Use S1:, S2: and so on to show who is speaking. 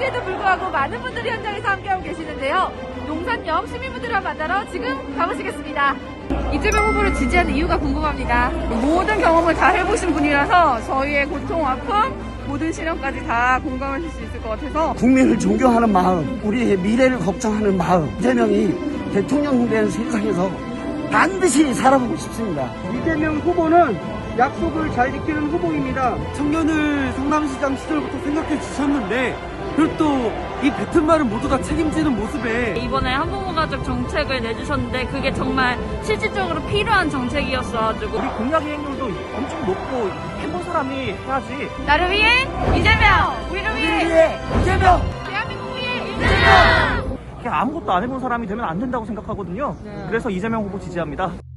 S1: 추위에도 불구하고 많은 분들이 현장에서 함께하고 계시는데요. 용산역 시민분들과 만나러 지금 가보시겠습니다. 이재명 후보를 지지하는 이유가 궁금합니다. 모든 경험을 다 해보신 분이라서 저희의 고통, 아픔, 모든 시련까지 다 공감하실 수 있을 것 같아서
S2: 국민을 존경하는 마음, 우리의 미래를 걱정하는 마음, 이재명이 대통령 된 세상에서 반드시 살아보고 싶습니다.
S3: 이재명 후보는 약속을 잘 지키는 후보입니다. 청년을 성남시장 시절부터 생각해 주셨는데 그리고 또 이 뱉은 말을 모두 다 책임지는 모습에
S4: 이번에 한부모 가족 정책을 내주셨는데 그게 정말 실질적으로 필요한 정책이었어가지고
S5: 우리 공약 이행률도 엄청 높고 해본 사람이 해야지.
S1: 나를 위해 이재명! 우리를 위해
S2: 이재명!
S1: 대한민국 위해 이재명!
S5: 그냥 아무것도 안 해본 사람이 되면 안 된다고 생각하거든요. 그래서 이재명 후보 지지합니다.